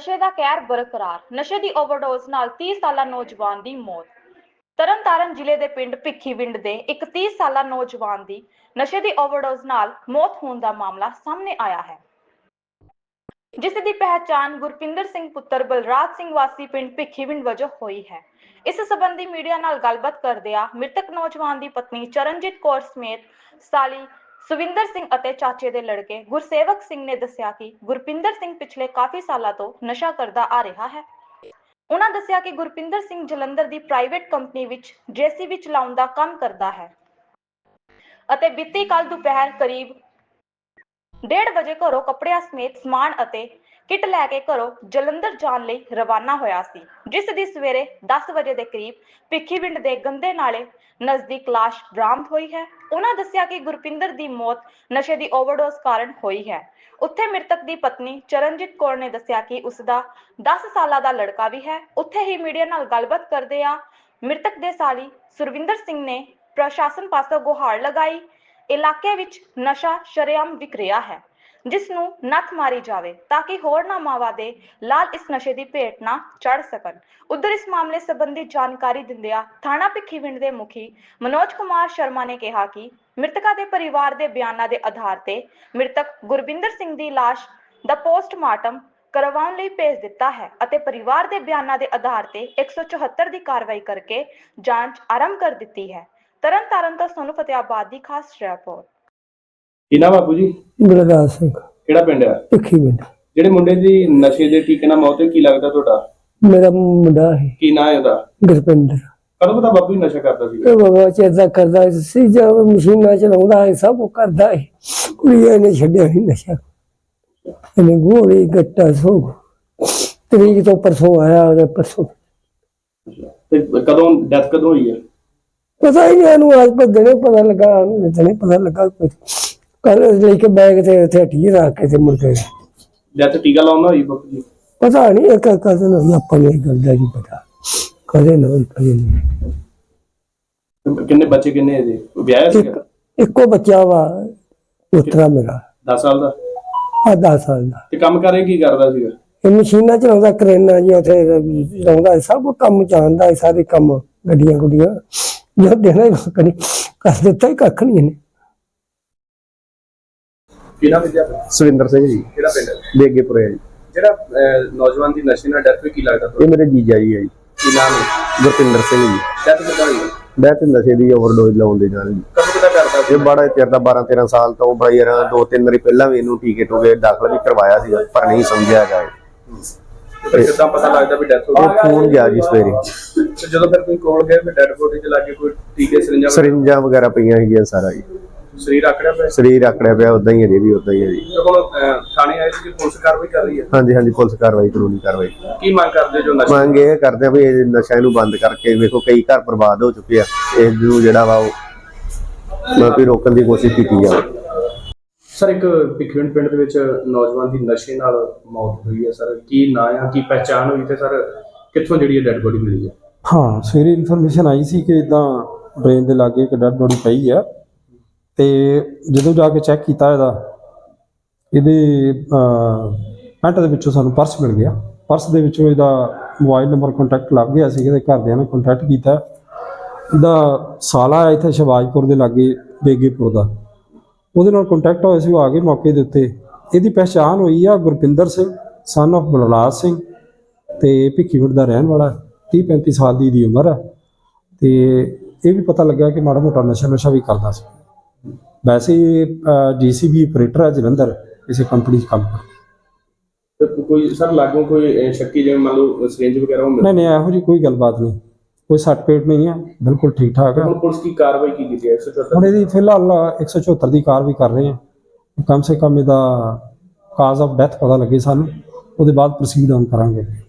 ਨਸ਼ੇ ਦਾ ਕਹਿਰ ਬਰਕਰਾਰ। ਨਸ਼ੇ ਦੀ ਓਵਰਡੋਜ਼ ਨਾਲ 30 ਸਾਲਾ ਨੌਜਵਾਨ ਦੀ ਮੌਤ। ਤਰਨਤਾਰਨ ਜ਼ਿਲ੍ਹੇ ਦੇ ਪਿੰਡ ਭਿੱਖੀਵਿੰਡ ਦੇ ਇੱਕ 30 ਸਾਲਾ ਨੌਜਵਾਨ ਦੀ ਨਸ਼ੇ ਦੀ ਓਵਰਡੋਜ਼ ਨਾਲ ਮੌਤ ਹੋਣ ਦਾ ਮਾਮਲਾ ਸਾਹਮਣੇ ਆਇਆ ਹੈ, ਜਿਸ ਦੀ ਪਹਿਚਾਣ ਗੁਰਪਿੰਦਰ ਸਿੰਘ ਪੁੱਤਰ ਬਲਰਾਜ ਸਿੰਘ ਵਾਸੀ ਪਿੰਡ ਭਿੱਖੀਵਿੰਡ ਵਜੋਂ ਹੋਈ ਹੈ। ਇਸ ਸੰਬੰਧੀ ਮੀਡੀਆ ਨਾਲ ਗੱਲਬਾਤ ਕਰਦਿਆਂ ਮ੍ਰਿਤਕ ਨੌਜਵਾਨ ਦੀ ਪਤਨੀ ਚਰਨਜੀਤ ਕੌਰ ਸਮੇਤ ਸਾਲੀ ਸੁਵਿੰਦਰ ਸਿੰਘ ਅਤੇ ਚਾਚੇ ਦੇ ਲੜਕੇ ਗੁਰਸੇਵਕ ਸਿੰਘ ਨੇ ਦੱਸਿਆ ਕਿ ਗੁਰਪਿੰਦਰ ਸਿੰਘ ਪਿਛਲੇ ਕਾਫੀ ਸਾਲਾਂ ਤੋਂ ਨਸ਼ਾ ਕਰਦਾ ਆ ਰਿਹਾ ਹੈ। ਉਹਨਾਂ ਦੱਸਿਆ ਕਿ ਗੁਰਪਿੰਦਰ ਸਿੰਘ ਜਲੰਧਰ ਦੀ ਪ੍ਰਾਈਵੇਟ ਕੰਪਨੀ ਵਿੱਚ JCB ਚਲਾਉਣ ਦਾ ਕੰਮ ਕਰਦਾ ਹੈ ਅਤੇ ਬੀਤੀ ਕੱਲ ਦੁਪਹਿਰ ਕਰੀਬ 1:30 ਵਜੇ ਘਰੋਂ ਕੱਪੜਿਆਂ ਸਮੇਤ ਸਮਾਨ ਅਤੇ ਕਿੱਟ ਲੈ ਕੇ ਘਰੋਂ ਜਲੰਧਰ ਜਾਣ ਲਈ ਰਵਾਨਾ ਹੋਇਆ ਸੀ, ਜਿਸ ਦੀ ਸਵੇਰੇ 10 ਵਜੇ ਦੇ ਕਰੀਬ ਭਿੱਖੀਵਿੰਡ ਦੇ ਗੰਦੇ ਨਾਲੇ ਨਜ਼ਦੀਕ ਲਾਸ਼ ਬਰਾਮਦ ਹੋਈ ਹੈ। ਉਹਨਾਂ ਦੱਸਿਆ ਕਿ ਗੁਰਪਿੰਦਰ ਦੀ ਮੌਤ ਨਸ਼ੇ ਦੀ ਓਵਰਡੋਜ਼ ਕਾਰਨ ਹੋਈ ਹੈ। ਉੱਥੇ ਮ੍ਰਿਤਕ ਦੀ ਪਤਨੀ ਚਰਨਜੀਤ ਕੌਰ ਨੇ ਦੱਸਿਆ ਕਿ ਉਸ ਦਾ 10 ਸਾਲਾਂ ਦਾ ਲੜਕਾ ਵੀ ਹੈ। ਉੱਥੇ ਹੀ ਮੀਡੀਆ ਨਾਲ ਗੱਲਬਾਤ ਕਰਦਿਆਂ ਮ੍ਰਿਤਕ ਦੇ ਸਾਲੀ ਸੁਰਵਿੰਦਰ ਸਿੰਘ ਨੇ ਪ੍ਰਸ਼ਾਸਨ ਪਾਸੋਂ ਗੁਹਾਰ ਲਗਾਈ, ਇਲਾਕੇ ਵਿੱਚ ਨਸ਼ਾ ਸ਼ਰੇਆਮ ਵਿਕ ਰਿਹਾ ਹੈ, ਜਿਸ ਨੂੰ ਨੱਥ ਮਾਰੀ ਜਾਵੇ ਤਾਂ ਕਿ ਹੋਰਨਾਂ ਮਾਵਾਂ ਦੇ ਲਾਲ ਇਸ ਨਸ਼ੇ ਦੀ ਭੇਟ ਨਾ ਚੜ ਸਕਣ। ਉਧਰ ਇਸ ਮਾਮਲੇ ਸੰਬੰਧੀ ਜਾਣਕਾਰੀ ਦਿੰਦਿਆਂ ਥਾਣਾ ਭਿੱਖੀਵਿੰਡ ਦੇ ਮੁਖੀ ਮਨੋਜ ਕੁਮਾਰ ਸ਼ਰਮਾ ਨੇ ਕਿਹਾ ਕਿ ਮ੍ਰਿਤਕਾਂ ਦੇ ਪਰਿਵਾਰ ਦੇ ਬਿਆਨਾਂ ਦੇ ਆਧਾਰ ਤੇ ਮ੍ਰਿਤਕ ਗੁਰਬਿੰਦਰ ਸਿੰਘ ਦੀ ਲਾਸ਼ ਦਾ ਪੋਸਟਮਾਰਟਮ ਕਰਵਾਉਣ ਲਈ ਭੇਜ ਦਿੱਤਾ ਹੈ ਅਤੇ ਪਰਿਵਾਰ ਦੇ ਬਿਆਨਾਂ ਦੇ ਆਧਾਰ ਤੇ 174 ਦੀ ਕਾਰਵਾਈ ਕਰਕੇ ਜਾਂਚ ਆਰੰਭ ਕਰ ਦਿੱਤੀ ਹੈ। ਤਰਨਤਾਰਨ ਤੋਂ ਸੋਨੂ ਫਤਿਆਬਾਦ ਦੀ ਖਾਸ ਰਿਪੋਰਟ। ਕੀ ਨਾਮ ਬਾਪੂ ਜੀ? ਬਲਰਾਜ ਸਿੰਘ। ਕਿਹੜਾ ਪਿੰਡ ਆ? ਭਿੱਖੀਵਿੰਡ। ਜਿਹੜੇ ਮੁੰਡੇ ਦੀ ਨਸ਼ੇ ਦੇ ਟੀਕੇ ਨਾਲ ਮੌਤ ਹੋਈ, ਕੀ ਲੱਗਦਾ ਤੁਹਾਡਾ? ਮੇਰਾ ਮੁੰਡਾ ਹੈ। ਕੀ ਨਾਂ ਹੈ ਉਹਦਾ? ਗੁਰਪਿੰਦਰ। ਕਦੋਂ ਪਤਾ ਬਾਪੂ ਜੀ ਨਸ਼ਾ ਕਰਦਾ ਸੀ? ਬਾਬਾ ਚੇਤਾ ਕਰਦਾ ਸੀ, ਜਦ ਮਸ਼ੀਨਾਂ ਚਲਾਉਂਦਾ ਹੈ, ਸਭ ਕੁਝ ਕਰਦਾ ਹੈ। ਕੁੜੀਆਂ ਨੇ ਛੱਡਿਆ ਨਹੀਂ ਨਸ਼ਾ। ਇਹਨੇ ਗੋਲੀ ਗੱਟਾ ਸੋਗ ਤਰੀਕ ਤੋਂ ਪਰਸੋਂ ਆਇਆ, ਉਹਦੇ ਪਰਸੋਂ। ਤੇ ਕਦੋਂ ਡੈਥ ਕਦੋਂ ਹੋਈ ਹੈ? ਪਤਾ ਹੀ ਨਹੀਂ ਇਹਨੂੰ, ਅੱਜ ਦਿਨੇ ਪਤਾ ਲੱਗਾ, ਦਿਨੇ ਪਤਾ ਲੱਗਾ। ਕੱਲ ਲੈ ਕੇ ਬੈਗ ਤੇ ਉੱਥੇ ਹੱਟੀ ਰੱਖ ਕੇ ਤੇ ਮੁੜ ਕੇ ਡੈਥ ਟੀਕਾ ਲਾਉਣਾ ਹੋਈ ਬਾਪੂ ਜੀ? ਪਤਾ ਨਹੀਂ, ਇੱਕ ਕਦੇ ਨਹੀਂ ਆਪਾਂ ਨੂੰ ਇਹ ਗੱਲ ਦਾ ਨਹੀਂ ਪਤਾ, ਕਦੇ ਨਹੀਂ ਕਦੇ ਨਹੀਂ। ਕਿੰਨੇ ਬੱਚੇ, ਕਿੰਨੇ ਇਹਦੇ? ਵਿਆਹਿਆ ਸੀਗਾ? ਇੱਕੋ ਬੱਚਾ ਵਾ ਪੁੱਤਰਾ ਮੇਰਾ 10 ਸਾਲ ਦਾ। 10 ਸਾਲ ਦਾ। ਤੇ ਕੰਮ ਕਰੇ ਕੀ ਕਰਦਾ ਸੀਗਾ? ਇਹ ਮਸ਼ੀਨਾਂ ਚਲਾਉਂਦਾ, ਕਰੇਨਾਂ ਜੀ ਉੱਥੇ ਚਲਾਉਂਦਾ, ਸਭ ਕੰਮ ਜਾਣਦਾ, ਸਾਰੇ ਕੰਮ ਗੱਡੀਆਂ ਗੁੱਡੀਆਂ ਜੋ ਦੇਣਾ ਹੀ ਕੱਖ ਨਹੀਂ ਕਰ ਦਿੱਤਾ, ਹੀ ਕੱਖ ਨਹੀਂ ਇਹਨੇ। ਕੀ ਨਾਮ ਹੈ? ਸੁਵਿੰਦਰ ਸਿੰਘ ਜੀ। ਕਿਹੜਾ ਪਿੰਡ? ਬੇਗੇਪੁਰੇ ਜੀ। ਜਿਹੜਾ ਨੌਜਵਾਨ ਦੀ ਨਸ਼ੇ ਨਾਲ ਡੈਥ ਹੋਈ, ਕੀ ਲੱਗਦਾ ਤੁਹਾਨੂੰ? ਇਹ ਮੇਰੇ ਜੀਜਾ ਜੀ ਹੈ ਜੀ। ਕੀ ਨਾਮ ਹੈ? ਗੁਰਪਿੰਦਰ ਸਿੰਘ ਜੀ। ਡੈਥ ਕਿੱਦਾਂ ਹੋਈ? ਡੈਥ ਨਸ਼ੇ ਦੀ ਓਵਰਡੋਜ਼ ਲਾਉਣ ਦੇ ਨਾਲ ਜੀ। ਕਦੋਂ ਕਿੱਦਾਂ ਕਰਦਾ ਸੀ? ਇਹ ਬੜਾ ਚਿਰ ਦਾ 12-13 ਸਾਲ ਤੋਂ ਬੜਾ ਯਾਰ 2-3 ਵਾਰੀ ਪਹਿਲਾਂ ਵੀ ਇਹਨੂੰ ਟੀਕੇ ਟੂਕੇ ਦਾਖਲ ਵੀ ਕਰਵਾਇਆ ਸੀ, ਪਰ ਨਹੀਂ ਸਮਝਿਆ ਗਿਆ। ਫਿਰ ਕਿੱਦਾਂ ਪਤਾ ਲੱਗਦਾ ਵੀ ਡੈਥ ਹੋ ਉਹ ਫੋਨ ਗਿਆ ਜੀ ਸਵੇਰੇ, ਤੇ ਜਦੋਂ ਫਿਰ ਕੋਈ ਕੋਲ ਗਏ ਫਿਰ ਡੈਡ ਬੋਡੀ 'ਚ ਲੱਗੇ ਕੋਈ ਟੀਕੇ ਸਰਿੰਜਾਂ ਵਗੈਰਾ ਪਈਆਂ ਸੀਗੀਆਂ, ਸਾਰਾ ਜੀ ਸਰੀਰ ਆਕੜਿਆ ਪਿਆ? ਸਰੀਰ ਆਕੜਿਆ ਪਿਆ, ਉਦਾਂ ਹੀ ਅਜੇ ਵੀ ਉਦਾਂ ਹੀ ਹੈ ਜੀ। ਤੇ ਹੁਣ ਥਾਣੇ ਆਏ ਸੀ, ਪੁਲਿਸ ਕਾਰਵਾਈ ਕਰ ਰਹੀ ਹੈ? ਹਾਂਜੀ ਹਾਂਜੀ, ਪੁਲਿਸ ਕਾਰਵਾਈ, ਕਾਨੂੰਨੀ ਕਾਰਵਾਈ। ਕੀ ਮੰਗ ਕਰਦੇ ਜੋ ਨਸ਼ਾ? ਮੰਗ ਇਹ ਕਰਦੇ ਆ ਵੀ ਇਹ ਨਸ਼ਾ ਇਹਨੂੰ ਬੰਦ ਕਰਕੇ, ਵੇਖੋ ਕਈ ਘਰ ਬਰਬਾਦ ਹੋ ਚੁੱਕੇ ਆ, ਇਸ ਨੂੰ ਜਿਹੜਾ ਵਾ ਉਹ ਵੀ ਰੋਕਣ ਦੀ ਕੋਸ਼ਿਸ਼ ਕੀਤੀ ਜਾਵੇ। ਸਰ, ਇੱਕ ਭਿੱਖੀਵਿੰਡ ਪਿੰਡ ਦੇ ਵਿੱਚ ਨੌਜਵਾਨ ਦੀ ਨਸ਼ੇ ਨਾਲ ਮੌਤ ਹੋਈ ਹੈ ਸਰ, ਕੀ ਨਾਂ ਆ, ਕੀ ਪਹਿਚਾਣ ਹੋਈ ਤੇ ਸਰ ਕਿੱਥੋਂ ਜਿਹੜੀ ਇਹ ਡੈਡ ਬੋਡੀ ਮਿਲੀ ਹੈ? ਹਾਂ, ਸਵੇਰੇ ਇਨਫੋਰਮੇਸ਼ਨ ਆਈ ਸੀ ਕਿ ਇਦਾਂ ਡਰੇਨ ਦੇ ਲਾਗੇ ਇੱਕ ਡੈਡ ਬੋਡੀ ਪਈ ਆ, ਤੇ ਜਦੋਂ ਜਾ ਕੇ ਚੈੱਕ ਕੀਤਾ ਇਹਦੇ ਪੈਂਟ ਦੇ ਵਿੱਚੋਂ ਸਾਨੂੰ ਪਰਸ ਮਿਲ ਗਿਆ। ਪਰਸ ਦੇ ਵਿੱਚੋਂ ਇਹਦਾ ਮੋਬਾਈਲ ਨੰਬਰ ਕੰਟੈਕਟ ਲੱਗ ਗਿਆ ਸੀ, ਇਹਦੇ ਘਰਦਿਆਂ ਨੇ ਕੰਟੈਕਟ ਕੀਤਾ। ਇਹਦਾ ਸਾਲਾ ਇੱਥੇ ਸ਼ਿਵਾਜਪੁਰ ਦੇ ਲਾਗੇ ਬੇਗੇਪੁਰ ਦਾ, ਉਹਦੇ ਨਾਲ ਕੰਟੈਕਟ ਹੋਇਆ ਸੀ, ਉਹ ਆ ਗਏ ਮੌਕੇ ਦੇ ਉੱਤੇ। ਇਹਦੀ ਪਹਿਚਾਣ ਹੋਈ ਆ ਗੁਰਪਿੰਦਰ ਸਿੰਘ ਸਨ ਆਫ ਬਲਰਾਜ ਸਿੰਘ, ਤੇ ਭਿੱਖੀਵਿੰਡ ਦਾ ਰਹਿਣ ਵਾਲਾ, 30-35 ਸਾਲ ਦੀ ਇਹਦੀ ਉਮਰ ਆ। ਤੇ ਇਹ ਵੀ ਪਤਾ ਲੱਗਾ ਕਿ ਮਾੜਾ ਮੋਟਾ ਨਸ਼ਾ ਵੀ ਕਰਦਾ ਸੀ। ਵੈਸੇ JCB ਆਪਰੇਟਰ ਹੈ ਜਲੰਧਰ, ਕਿਸੇ ਕੰਪਨੀ 'ਚ ਕੰਮ ਕਰਦਾ। ਕੋਈ ਸਰ ਲਾਗੋਂ ਕੋਈ ਸ਼ੱਕੀ, ਜਿਵੇਂ ਮੰਨ ਲਓ ਸਿਰਿੰਜ ਵਗੈਰਾ? ਨਹੀਂ, ਇਹੋ ਜਿਹੀ ਕੋਈ ਗੱਲਬਾਤ ਨਹੀਂ, ਕੋਈ ਸੱਟ ਪੇਟ ਨਹੀਂ ਹੈ, ਬਿਲਕੁਲ ਠੀਕ ਠਾਕ ਹੈ। ਹੁਣ ਪੁਲਿਸ ਕੀ ਕਾਰਵਾਈ ਕੀ ਕੀਤੀ ਹੈ? 174 ਹੁਣ ਇਹਦੀ ਫਿਲਹਾਲ 174 ਦੀ ਕਾਰਵਾਈ ਕਰ ਰਹੇ ਹਾਂ। ਕਮ ਸੇ ਕਮ ਇਹਦਾ ਕਾਜ਼ ਆਫ ਡੈਥ ਪਤਾ ਲੱਗੇ ਸਾਨੂੰ, ਉਹਦੇ ਬਾਅਦ ਪ੍ਰੋਸੀਡ ਆਨ ਕਰਾਂਗੇ।